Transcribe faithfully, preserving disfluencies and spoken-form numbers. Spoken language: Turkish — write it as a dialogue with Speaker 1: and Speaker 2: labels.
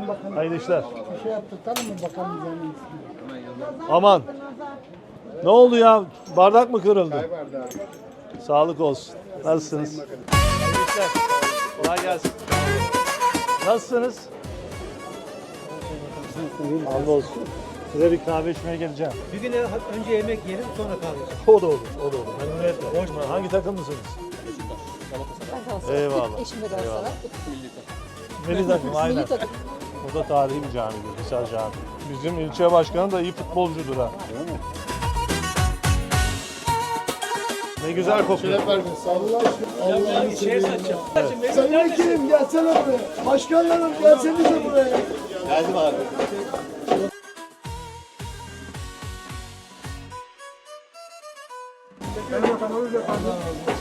Speaker 1: bakalım.
Speaker 2: Hayırlı işler.
Speaker 1: Bir şey yaptırtalım mı bakalım üzerine.
Speaker 2: Aman. Ne oldu ya? Bardak mı kırıldı? Sağlık olsun. Nasılsınız? Hayırlı işler. Kolay gelsin. Nasılsınız? Hamdolsun. Size bir kahve içmeye geleceğim.
Speaker 3: Bir gün önce yemek yiyelim sonra kahve.
Speaker 2: O da olur, o da olur. Memnuniyetle. Hangi takımlısınız? Eyvallah.
Speaker 4: Eşim de Galatasaray.
Speaker 2: Milli takım, aynen.
Speaker 4: Milli takım.
Speaker 2: O da tarihi bir camidir, Hisar Camii. Bizim ilçe başkanı da iyi futbolcudur ha. Ne güzel kokuyor.
Speaker 1: Allah'ını seveyim ya. Sayın Vekilim gelsene buraya. Başkanlarım gelsenize buraya.
Speaker 5: Geldim abi.
Speaker 1: Kaymakamımız efendim.